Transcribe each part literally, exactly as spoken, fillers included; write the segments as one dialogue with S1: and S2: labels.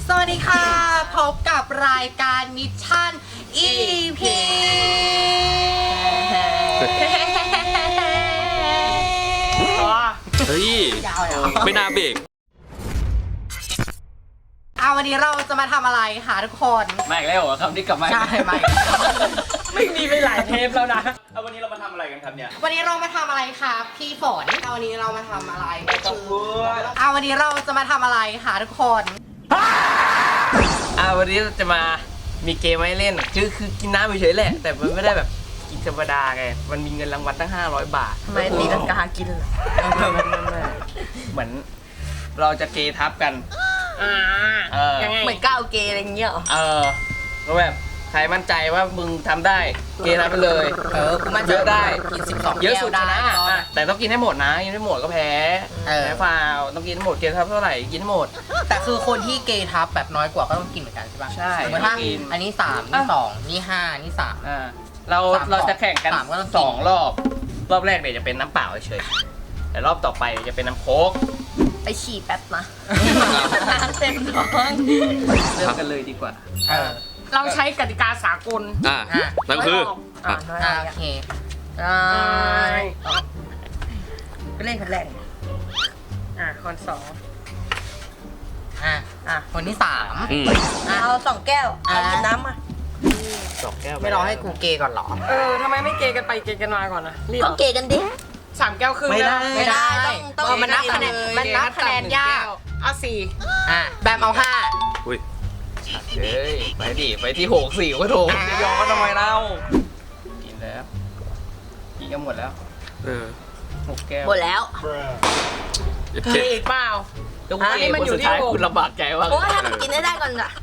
S1: สวัสดีค่ะพบกับรายการมิชชั่น อี พี
S2: เฮ้ยไม่น่าเบรก
S1: เอาวันนี้เราจะมาทำอะไรคะทุกคน
S3: ไม่อีกแล้วเหรอคำที่กลับมา
S1: ใช่ไหม
S3: ไม่มีไปหลายเทปแล้วนะเอาวันนี้เรามาทำอะไรกันครับเนี่ย
S1: วันนี้เรามาทำอะไรคะพี่ฝนเอาวันนี้เรามาทำอะไรก็คือเอาวันนี้เราจะมาทำอะไรคะทุกคน
S3: อ่าวันนี้เราจะมามีเกมให้เล่นคือคือกินน้ำเฉยๆแหละแต่มันไม่ได้แบบกินธรรมดาไงมันมีเงินรางวัลตั้งห้าร้อยบาท
S1: ทำไมตีลังกากินเหรอ
S3: เหมือนเราจะเกทับกัน
S1: อ่ายังไงเหมือนก้าวเกย์อะไรเงี้ยเอ
S3: อแล้วแบบใครมั่นใจว่ามึงทำได้เกทับไปเลย
S1: เออกูมั่นใจ
S3: เยอะได้
S1: กินสิบสอง
S3: เยอะสุดชนะแต่ต้องกินให้หมดนะกินให้หมดก็แพ้แพ้ฟาวต้องกินให้หมดเกทับเท่าไหร่กินให้หมด
S1: แต่คือคนที่เกทับแบบน้อยกว่าก็ต้องกินเหมือนกันใช่ป่ะ
S3: ใช่
S1: สมมติถ้าอันนี้สามนี่สองนี่ห้านี่สาม
S3: อ่าเราเราจะแข่งกันสองรอบรอบแรกเนี่ยจะเป็นน้ำเปล่าเฉยแต่รอบต่อไปจะเป็นน้ำโค้ก
S1: ไปฉี่แป๊บนะน้ำเต็มท้อง
S3: เริ่มกันเลยดีกว่า
S4: เราใช้กติกาสากล
S2: อ่านั่นคือ
S1: อ่าโอเคอ่าไปเล่นคนแรก
S4: อ่าคนสอง
S1: อ่าอ่าคนที่สาม
S5: เอาสองแก้วเอากินน้ำมา
S3: สองแก้ว
S1: ไม่รอให้กูเกก่อนหรอ
S4: เออทำไมไม่เกกันไปเกกันมาก่อนนะรีบ
S5: ต้องเกกันดิ
S4: สามแก้วครึ่ง
S1: ไม่ได้ไม่ได้
S5: ต้อง
S1: ต้องมันนับคะแนนมันนับคะแนนยาก
S4: เอาสี่
S1: อ่ะแบมเอาห้า
S2: อุ้ย
S3: เฮ้ยไปดิไปที่หกสี่ก็ถูกจะยอมก็ทำไมเล่ากินแล้วกินกันหมดแล้ว
S2: เออ
S3: หกแก้ว
S5: หมดแล้ว
S4: เกอีกเปล่า
S3: อันนี้มันอยู่ที่คุณลำบากใจว่า
S5: โอ้ยให้มันกินได้ได้ก่อนอะ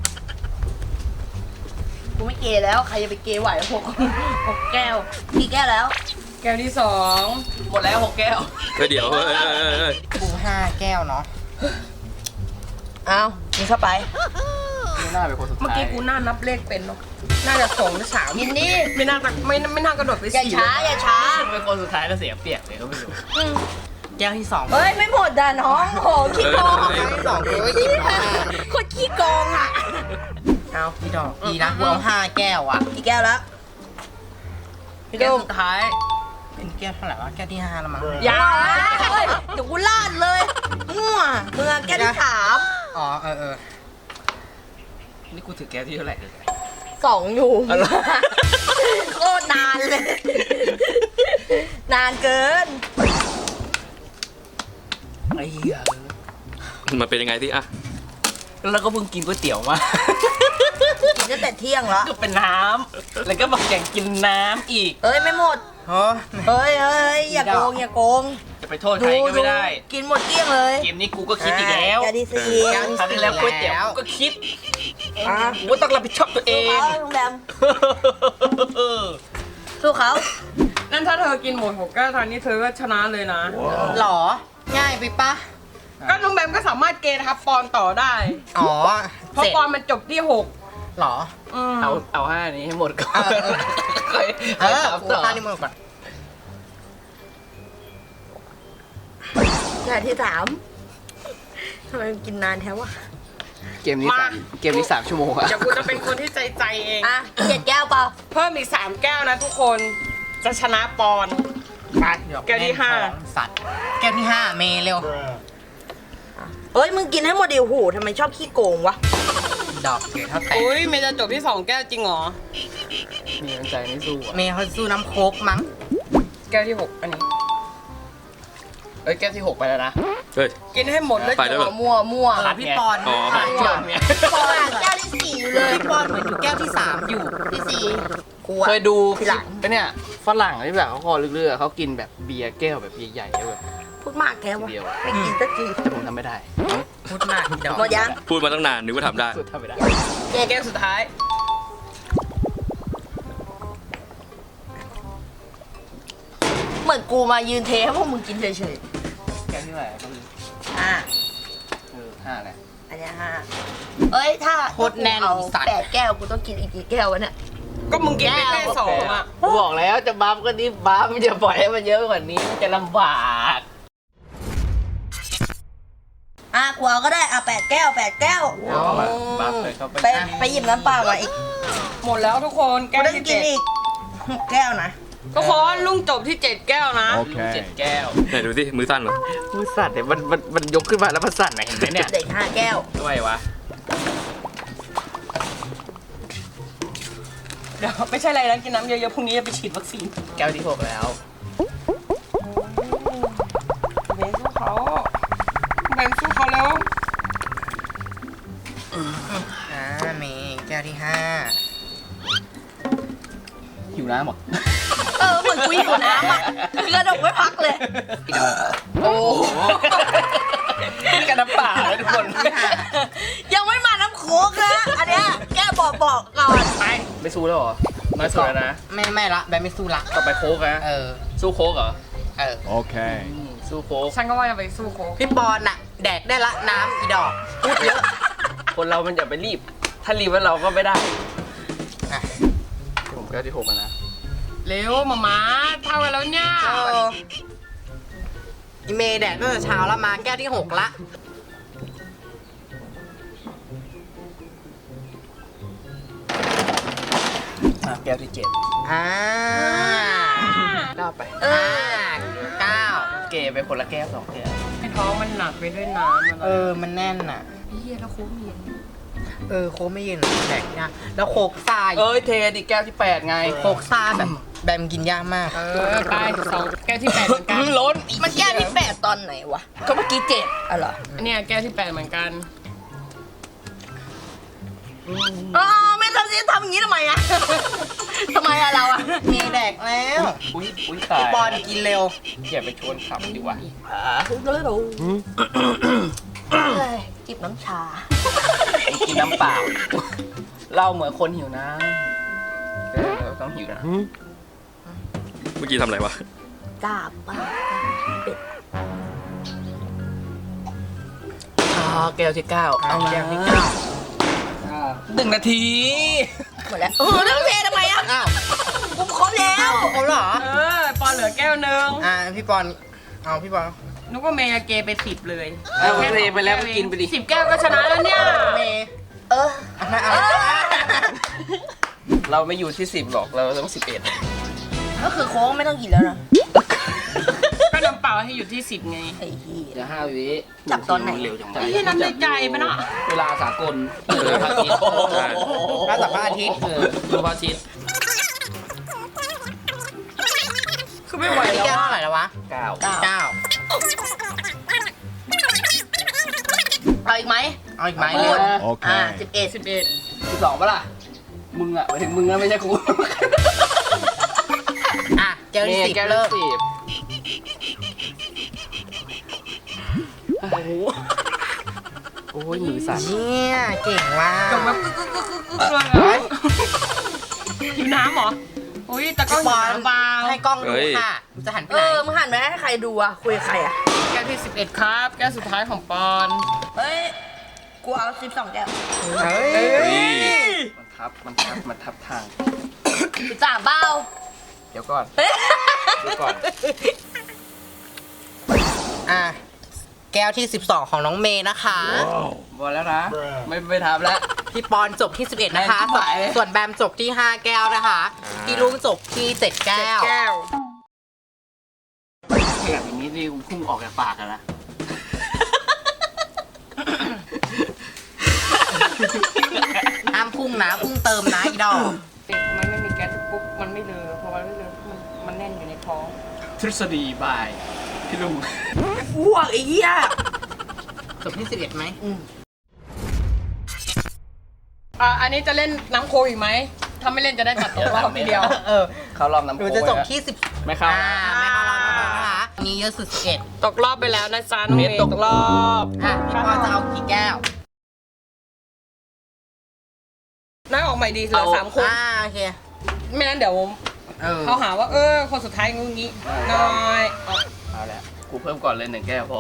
S5: กูไม่เกแล้วใครจะไปเกไหวหกหกแก้วกี่แก้วแล้ว
S4: แก้วที่สอง
S3: หมดแล้วหกแก้ว
S2: เดี๋ยว
S1: กูห้าแก้วเนาะ
S5: เอากินเข้าไป
S3: ไม่น่าเป็นคนสุดท้าย
S4: เมื่อกี้กูน่านับเลขเป็นเนาะน่าจะสองหรือสาม
S5: กินดิ
S4: ไม่น่าไม่ไม่น่ากระโดดไป
S5: อย่าช้าอย่าช้า
S3: เป็นคนสุดท้ายแล้วเสียเปรียบเลยก็ไม่รู้
S1: แก้วที่สอง
S5: เฮ้ยไม่หมดด่าน้องโหขี้โกง
S1: ที่สองกูก็กิน
S5: คนขี้โกงอ่ะ
S1: เอาพี่ดอกดีนะกูเอาห้าแก้วอ่ะ
S5: กี่แก้วแล้ว
S1: พี่ดอกสุดท้ายเป็นแก้วเท่าไหร่วะแก้วที่ห้าแล้วมั้ง
S5: ยาเลยเดี๋ยวกูลาดเลยมั่วเมื่อแก้วที่สาม
S1: อ๋อเออเออ
S3: นี่กูถือแก้วที่เท่าไหร่
S5: สองอยู่โคตรนานเลยนานเกิน
S3: ไอ้เหี้ย
S2: มันเป็นยังไงที่อ่ะ
S3: แล้วก็เพิ่งกินก๋วยเตี๋ยวมา
S5: กินตั้งแต่เที่ยงแล้ว
S3: ก็เป็นน้ำแล้วก็บอกอยากกินน้ำอีก
S5: เอ้ยไม่หมดเฮ้ยเฮ้ยอย่าโกงอย่าโกง
S3: จะไปโทษใครก็ไม่ได้
S5: กินหมดเกลี้ยงเลย
S3: เกมนี้กูก็คิดอีกแล้ว
S5: แกดีซี
S3: ทำได้แล้วก๋วยเตี๋ยวกูก็คิดกูต้องรับผิดชอบตัวเอง
S5: ลุงแบมสู้เขา
S4: นั่นถ้าเธอกินหมดหกแก้วทานนี้เธอก็ชนะเลยนะ
S1: หรอง่ายไปปะ
S4: ก็น้องแบมก็สามารถเกทับปอนต่อได้
S1: อ๋อ
S4: เพราะปอนมันจบที่หก
S1: หรอ
S3: เอาเอาห้านี้ให้หมดก่อน
S1: เออกูห้านี้หมดก่อน
S5: แค่ที่สามทำไมกินนานแท้วะ
S3: เกมนี้สามเกมนี้สามชั่วโมงอะ
S4: เดี๋ยวกูจะเป็นคนที่ใจใจเอง
S5: อ่ะเจ็ดแก้วเปล่า
S4: เพิ่มอีกสามแก้วนะทุกคนจะชนะปอน
S1: ไป
S4: แก้วที่ห้า
S1: สัตว์แก้วที่ห้าเมย์เร็ว
S5: เอ้ยมึงกินให้หมดดิโหทำไมชอบขี้โกงวะ
S1: ดอกเกลือเท่าแตก
S4: อุ้ยเมย์จะจบที่สองแก้วจริงเหรอ
S3: มีน้ำใจไม่สู้
S1: เมย์เขาสู้น้ำโค้กมั้ง
S4: แก้วที่หกอันนี้
S3: เอ้ยแก้วที่หกไปแล้วนะ
S2: เฮ้ย
S4: กินให้หมดแล้วจะ
S5: มั่วมั่ว
S1: พี่ปอน
S3: ปอนเนี่ย
S5: ปอนแก้วที่สี่อยู่เลย
S1: พี่ปอนเหมือนอยู่แก้วที่สามอยู่
S5: ที่สี่
S3: เคยดูหลังไอ้เนี่ยฝรั่งที่แบบเขาคอเรื่อยๆเขากินแบบเบียร์แก้วแบบใหญ่ๆแบบ
S5: พูดมากแค่วะไม่กินสักที
S3: แต่ผมทำไม่ได้
S1: พูดมาก
S5: หมดยัง
S2: พูดมาตั้งนานนึกว่าทำได้
S3: สุดทำไม่ได้
S4: แก้วสุดท้าย
S5: เหมือนกูมายืนเทให้พวกมึงกินเฉย
S3: ๆแก้วที่ไหนก็มี
S5: ห้า
S3: เออห้าแหละ
S5: อันนี้ห้าเอ้ยถ้า
S1: โคตรแน่น
S5: สัตว์แปดแก้วกูต้องกินอีกกี่แก้ววะเนี่ย
S4: ก็มึงกินไปแค่สองอ่ะ
S3: บอกแล้วจะบัฟก็นี่บัฟไม่จะปล่อยให้มันเยอะกว่านี้มันจะลำบาก
S5: อ่ะกูเอาก็ได้อ่ะแปดแก้วแปดแก้ว
S3: บัฟเข้าไป
S5: ไปไปหยิบน้ำเปล่ามาอีก
S4: หมดแล้วทุกคนแก้
S5: กู
S4: ว
S5: ต้อง
S4: ที่
S5: กิน
S4: เจ็ด
S5: อีกหกแก้วนะ
S4: ทุกคนลุงจบที่เจ็ดแก้วนะ
S3: เจ็ดแก้ว
S2: ไหนดูสิมือสั้นเหรอ
S3: มือสั่นเนี่ยมันมันมันยกขึ้นมาแล้วมันสั่นไหนเห็นไหมเนี่ย
S5: เด็กห้าแก้ว
S3: ด้วยวะ
S4: เดี๋ยวไม่ใช่อะไรนะกินน้ำเยอะๆพรุ่งนี้จะไปฉีดวัคซีน
S3: แก้วที่หกแล้ว
S4: เบนสู้เขาเบนสู้เขาแล้ว
S1: อ่าเมย์แก้วที่ห้า
S3: หิวน้ำเหรอ
S5: เออเหมือนกูหิวน้ำอ่ะกระดกไม่พักเลย
S3: โอ้โหนี่กันน้ำเปล่าเลยทุกคน
S5: ยังไม่มาน้ำโค้กนะอันเนี้ยแก้บอกบอกก่อน
S3: ไปไม่สู้แล้วเหรอน้อยสุดแล้วนะ
S1: ไม่ไม่ละแบบไม่สู้ละ
S3: ต่อไปโค้กนะ
S1: เออ
S3: สู้โค้กเหรอ
S1: เออ
S6: Okay.
S3: อืมสู้โค้ก
S4: ฉันก็ว่าจะไปสู้โค้ก
S1: พี่ปอนน่ะ แดกได้ละน้ำอีดอกพูดเยอะ
S3: คนเรามันอย่าไปรีบ ถ้ารีบแล้วเราก็ไม่ได้
S1: อ่ะ
S3: ผมแก้วที่หกแล้วนะ
S4: เร็วมามาเท่ากันแล้วเนี่ย
S1: เอออีเมย์แดกตั้งแต่เช้าแล้วมาแก้วที่หกละ
S3: อ่ะแก้วที่เจ็ด
S1: อ่า
S3: เก้าไป
S1: อ่าเก้า
S3: เกไปคนละแก้วสองแก้ว
S4: ไอ้ท้องมันหนักไปด้วยน้ำอะไร
S1: เออ มันแน่นอ่ะ
S4: เฮียแล้วโค้กมี
S1: เออ โคกไม่เย็นแดกยากแล้วโคกทราย
S3: เอ้ยเทดิแก้วที่แปดไง
S1: โคกทรายแบบแบมกินยากมาก
S4: เออไปสองแก้วที่แปดเหมือนกัน
S3: ล้น
S5: มันแก้ที่แปดตอนไหนวะ ก็เมื่อกี้เจ็ดอ๋อเหรอ
S4: เนี่ยแก้วที่แปดเหมือนกัน
S5: อ๋อไม่ทำสิทำอย่างนี้ทำไมอะทำไมอะเราอะ
S1: เมย์แดกแล้ว
S3: อุ้ยอุ้ยตาย
S1: พี่ปอนกินเร็ว
S3: อย่าไปชวนขับดีกว่า
S5: เฮ้ยจิบน้ำชา
S3: กินน้ำเปล่า เราเหมือนคนหิวน้ำเออเราต้องหิวนะ
S2: เมื่อกี้ทำอะไรวะ
S5: กาบปาก
S3: อ๋อแก้วที่เก้าเอามา
S1: แก้วที่เก้า
S3: หนึ่งนาที
S5: หมดแล้วเออน้ำเททำไมอะ
S1: อ้าว
S5: กูครบแล้ว
S1: เขาเหรอ
S4: เออปอนเหลือแก้วหนึ่ง
S1: อ่า พี่ปอน เอาพี่ปอน
S4: นึกว่าเมย์จะเกไปสิบเลย
S3: เอาเทไปแล้วก็กินไปดิ
S4: สิบแก้วก็ชนะแล้วเนี่ย
S1: เมย์
S5: เออ
S1: เอามาเอา
S3: เราไม่อยู่ที่สิบหรอกเราต้องสิบเอ็ด
S5: ก็คือโค้งไม่ต้องกินแล้วนะ
S4: ก็น้ำเปล่าให้อยู่ที่สิบไง
S5: ไอ้เหี้ย
S3: เดี๋ยวห้าวิ
S5: จับตอนไหน
S3: เร็วจังวะ
S4: ไอ้ที่น้ำในใจไปเนาะ
S3: เวลาสากลเออพระอาทิตย์
S2: ใช่
S1: ถ้าสัปดาห์อาทิตย์
S3: เออดูพระอาทิตย์
S4: คือไม่ไหว
S1: พี่
S4: แล้ว
S1: แก้ว
S4: อะ
S1: เท่าไหร่แล้ววะ
S3: เก้า
S1: เก้า
S5: เอาอีกไหม
S1: เอาอีกไหม
S5: พู
S1: เร็
S5: ด
S1: ว
S5: อ่า
S6: Okay.
S5: สิบเอ็ด
S4: สิบเอ็ด
S3: สิบสองปะล่ะ มึงอะหมายถึงมึงนะไม่ใช่กู
S1: อ่ะ แก้วที่สิบ
S3: แก้ว
S1: เริ่ม
S3: ที่สิบโอ้โหโอ้ยมือสั่น
S1: เนี่ยเก่งว่ะ
S4: จบแบบกึกกึกกึกกึกกึกเลยอะหิวน้ำเหรอ อุ้ยแต่ก็
S1: พี่
S4: หิ
S1: ป
S4: ว
S1: อน
S4: น้ำเปล่า
S1: ให้กล้องดูค่ะ จะหันไป
S5: เอ
S1: ไหน
S5: อมึงหันไปให้ใครดูอะคุยกับใครอะ
S4: แก้วที่สิบเอ็ดครับ แก้วสุดท้ายของปอน
S5: เฮ้ย กูเอาสิบสองแก้ว
S1: เฮ้ย
S3: มันทับ มันทับ มันทับทาง
S5: สิบสามเบ้า
S3: เดี๋ยวก่อน
S5: เฮ้ย
S3: เดี๋ยวก่อน
S1: อ่ะ แก้วที่สิบสองของน้องเมย์นะคะ
S3: บอลแล้วนะ ไม่ไม่ทับแล้ว
S1: พี่ปอนจบที่สิบเอ็ดนะคะ
S3: แม่งชิบหายเลย
S1: ส่วนแบมจบที่ห้าแก้วนะคะ พี่ลุงจบที่เจ็ดแก้ว
S4: แก้ว
S3: ขยับอย่างนี้นี่กูพุ่งออกจากปากกันละ
S1: ห้ามพุ่งนะพุ่งเติมนะอีดอก
S4: มันไม่มีแก๊สปุ๊บ มันไม่เลอะเพราะว่าไม่เลอะมันมันแน่นอยู่ในท้อง
S3: ทฤษฎีบาย พี่ลุง
S5: อ้วกไอ้เหี้ย
S1: จบที่สิบเอ็ดไหม
S4: อ่ะ อันนี้จะเล่นน้ำโคอีกไหม ถ้าไม่เล่นจะได้ตัดตกรอบทีเดียว
S1: เออ
S3: เขารอบน้ำ
S1: ห
S3: โค้
S1: นู
S3: ง
S1: จะจบ
S3: ไว้
S1: ที่สิบ
S3: ไม่เข้า
S1: อ่าไม่เข้ารอบนะคะมีเยอะสุดสิบเอ็ด
S4: ตกรอบไปแล้วนะจ๊ะน้อง
S3: เม
S4: เม
S3: ย์
S4: ย์
S3: ตกรอบ
S1: อ่ะพี่ปอนจะเอากี่แก้ว
S4: น้อยออกใหม่ดีเหลือสามคน
S1: อ่าโอเค
S4: ไม่งั้นเดี๋ยว
S1: เออ
S4: เขาหาว่าเออคนสุดท้ายงูงี้น้อยเอา
S3: เอาแล้วกูเพิ่มก่อนเลยหนึ่งแก้วพอ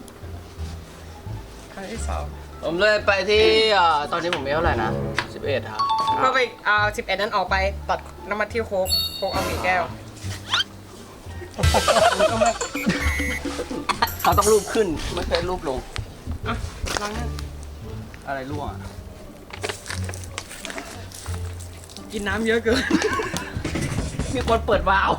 S4: ครั้งที่สอง
S3: ผมเลยไปที่เอ่อตอนนี้ผมมีเท่าไหร่นะสิบเอ็ดครับ
S4: ก็ไปเอาสิบเอ็ดนั้นออกไปตัดน้ำมันที่โคกโคกเอากี่แก้ว
S3: เขาต้องรูปขึ้น ไม่เคยรูปลง
S4: อ่ะลองนั่น
S3: อะไรร่วงอ่ะ
S4: กินน้ำเยอะเกิน
S3: มีคนเปิดวาล์ว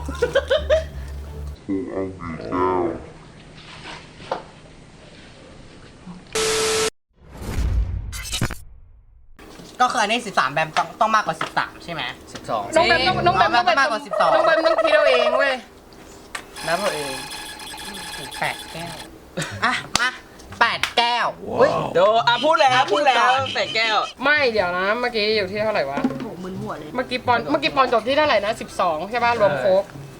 S1: ก็คืออันนี้สิบสามแบมต้องต้องมากกว่าสิบสามใช่ไหม
S3: สิบสอง
S4: น้องแบมต้องน้องแบมต้องเป็น
S1: มากกว่าสิบสอง
S4: น้องแบมต้องคิดเอาเองเว้ย
S3: นับเอาเอง
S1: ถึงแปดแก้ว อ่ะ มาแปดแก้ว
S3: เฮ้ยเดี๋ยวอ่ะพูดแล้วพูดแล้วแต่แก้ว
S4: ไม่เดี๋ยวนะ เมื่อกี้อยู่ที่เท่าไหร่วะ
S5: โหมึนหัวเลย
S4: เมื่อกี้ปอนเมื่อกี้ปอนจบที่เท่าไหร่นะสิบสองใช่ป่ะรวมโค้ก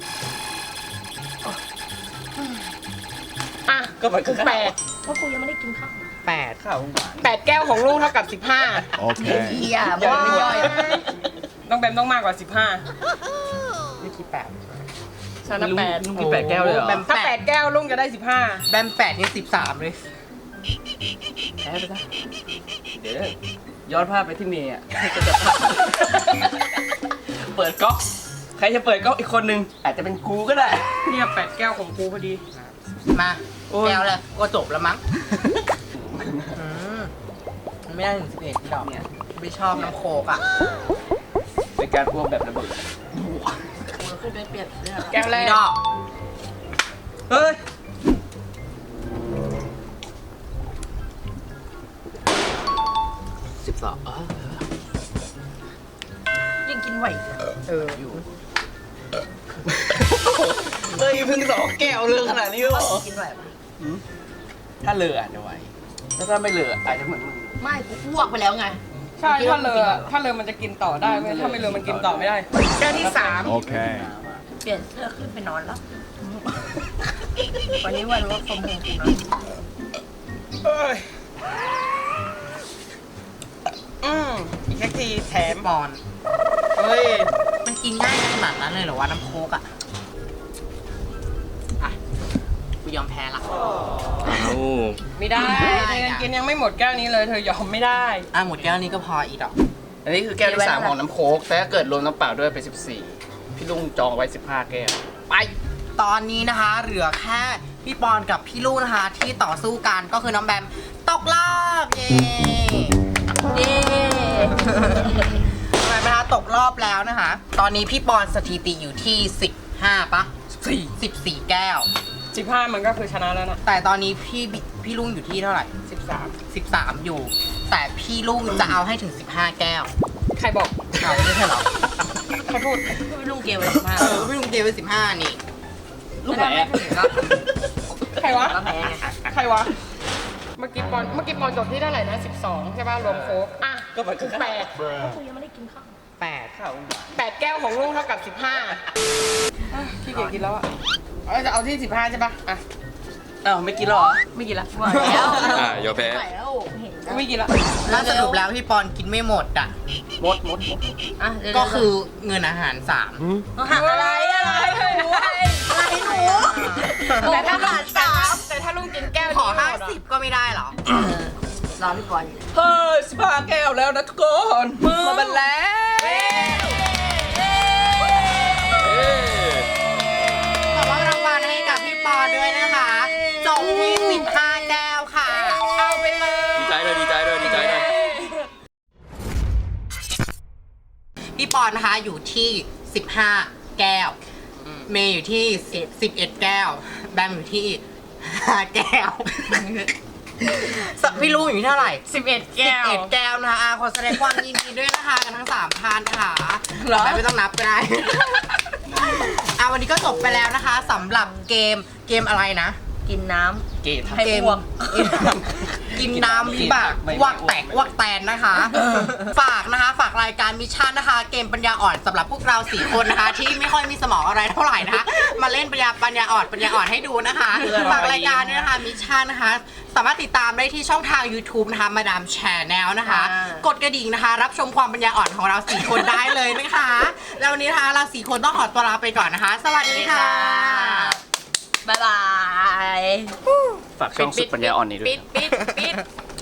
S4: อ่ะ
S3: ก็มันคือ
S4: แปด
S5: เพราะกูยังไม่ได้กินข้าว
S1: แปด
S3: ข้าวหวาน
S4: แปดแก้วของลูกเท่ากับสิบห้า
S6: Okay.
S5: เฮีย
S4: ย่อยไม่
S5: ว่า
S4: ย่อยน้องแบมต้องมากกว่าสิบห้า
S1: นี่กี่แปด
S4: ชนะแปด
S3: ลุงกินแปดแก้วเลยเหรอ
S1: แบม
S4: ถ้าแปดแก้วลุงจะได้สิบห้า
S1: แบมแปดนี่สิบสามเลย
S3: แพ้ไปซะเดี๋ยวย้อนภาพไปที่เมย์อ่ะเปิดก๊อกใครจะเปิดก๊อกอีกคนนึงอาจจะเป็นกูก็ได้
S4: เนี่ยแปดแก้วของกูพอดี
S1: มา
S3: โอ้ย
S1: แก้วเลยก็จบแล้วมั้งอืมมันไม่ได้ถึงสิบเอ็ดดอกเนี่ยไม่ชอบน้ำโคกอ่ะ
S3: เป็นการพ่วงแบบระเบิด
S5: กูขึ้นไปเปลี่ยนเสื้อ
S4: แก้วแร
S1: ไม่
S4: ก
S1: ดอก
S3: เฮ้ยสิบสอง
S5: ยิ่งกินไหว
S1: เออ
S3: อยู่เฮ้ยเพิ่งสองแก้วเรื่องขนาดนี้หรอ
S5: กินไหวปะ
S3: ถ้าเลออาจจะไหวแล้วถ้าไม่เลออาจจะเหมือนมึง
S5: ไม่กูอ้วกไปแล้วไง
S4: ใช่ถ้าเลอะถ้าเลอะมันจะกินต่อได้เว้ยถ้าไม่เลอะมันกินต่อไม่ได้แก้วที่สาม
S6: Okay.
S5: เปลี่ยนเสื้อขึ้นไปนอนแล้ว วันนี้วันว่าคอมโฮมกูนะ
S4: เอ้ยอืมอีกสักทีแถ
S1: แถ
S4: ม
S1: มบอล
S4: เฮ้ย
S1: มันกินง่ายขนาดนั้นเลยเหรอวะน้ำโคกอ่ะ อ่ะ กูยอมแพ้ละ
S2: เอ้า
S4: ไม่ได้
S1: ไม่ได้
S4: เธอ
S1: อะ
S4: ยังกินยังไม่หมดแก้วนี้เลยเธอยอมไม่ได้
S1: อ่ะหมดแก้วนี้ก็พออีกดอก
S3: อันนี้คือแก้วที่สามของน้ำโค้กแต่ถ้าเกิดรวมน้ำเปล่าด้วยเป็นสิบสี่พี่ลุงจองไว้สิบห้าแก้ว
S1: ไป ตอนนี้นะคะ เหลือแค่พี่ปอนกับพี่ลูกนะคะ ที่ต่อสู้กันก็คือน้องแบมตกรอบเย้
S5: เย้
S1: น้องแบมนะคะตกรอบแล้วนะคะ ตอนนี้พี่ปอนสถิติอยู่ที่สิบห้าปะสี่สิบสี่แก้ว
S4: สิบห้ามันก็คือชนะแล้วนะ
S1: แต่ตอนนี้พี่บิพี่ลุงอยู่ที่เท่าไหร่
S4: สิบสาม
S1: สิบสามอยู่ แต่พี่ลุงจะเอาให้ถึงสิบห้าแก้ว
S4: ใครบอก
S1: เอาไม่ใช่เหรอ
S4: ใครพูด
S5: ไม่ลุงเกมอะไรมาก
S1: เออพี่ลุงเกมไปสิบห้านี่
S3: ลูกไหนอะ
S4: ใครวะ
S5: แล้วแพ้ไง
S4: ใครวะ เมื่อกี้ปอนเมื่อกี้ปอนจบที่เท่าไหร่นะสิบสองใช่ป่ะรวมโค้กอ่ะ
S3: ก็มันคือ
S4: แปด
S5: กูยังไม่ได้กินข้าว
S1: แปด
S3: ข้าวหวาน
S4: แปดแก้วของลุงเท่ากับสิบห้าพี่เกียจกินแล้วอ่ะเอาจะเอาที่สิบห้าใช่ป่ะอ่ะ
S3: อ้าวไม่กินหรอ
S5: ไม่กินละไหวแล้ว
S2: อ่ะยอมแพ้
S5: ไหวแล้วเห็นแล้ว
S4: ไม่กินละ
S1: แล้วสรุปแล้วพี่ปอนกินไม่หมดอ่ะ
S3: มดมดมด
S5: อ่ะเดี๋ยว
S1: ก็คือเงินอาหารสาม
S5: หักอะไรอะไรหนูอะไรหนู
S4: แต่ถ้า
S5: หารสาม
S4: แต่ถ้าลุงกินแก้ว
S1: ขอ
S4: นี้
S1: ห้า
S4: หมดอะ
S1: สิบก็ไม่ได้เหรอ
S5: เออรอพี่บอลอยู่
S3: เฮ้ยสิบห้าแก้วแล้วนะทุกคนมาบันแล้ว
S1: ขอมอบรางวัลให้กับพี่ปอนด้วยนะคะจบที่สิบห้าแก้วค่ะ
S4: เอาไปเลย
S2: ดีใจเลยดีใจเลยดีใจเลย
S1: พี่ปอนนะคะอยู่ที่สิบห้าแก้ว เมย์อยู่ที่สิบเอ็ดแก้ว แบมอยู่ที่ห้าแก้วสัพี่ลุงอยู่ที่เท่าไหร่
S4: สิบเอ็ด
S1: สิ
S4: แก้
S1: บ
S4: ว
S1: เอ็ดแก้วนะคะอ่ะขอแสดงความยินดีด้วยนะคะกันทั้งสามท่านนะคะ
S3: เหรอ
S1: ไม่ไม่ต้องนับก็ได้ อ่ะวันนี้ก็จบไปแล้วนะคะสำหรับเกมเกมอะไรนะ
S5: กินน้
S3: เกย์
S5: ให้
S1: เกม
S5: อ้วก
S1: กินน้ำวิบาก
S3: ไม่
S1: วักแตกวักแตนนะคะ ฝากนะคะ ฝากรายการมิชชั่นนะคะ เกมปัญญาอ่อนสำหรับพวกเราสี่คนนะคะ ที่ไม่ค่อยมีสมองอะไรเท่าไหร่นะคะ มาเล่นปัญญาปัญญาอ่อนปัญญาอ่อนให้ดูนะคะ ฝากรายการด้วยนะคะมิชชั่นนะคะ สามารถติดตามได้ที่ช่องทาง YouTube นะคะมาดามแชร์แนลนะคะ กดกระดิ่งนะคะ รับชมความปัญญาอ่อนของเราสี่คนได้เลยนะคะ แล้ววันนี้นะคะเราสี่คนต้องขอตัวลาไปก่อนนะคะ สวัสดีค่ะ
S5: ำบ๊ายบาย
S3: ฝากช่องสุดปัญญาอ่อนนี้ด้วย
S4: ปิดปิดปิด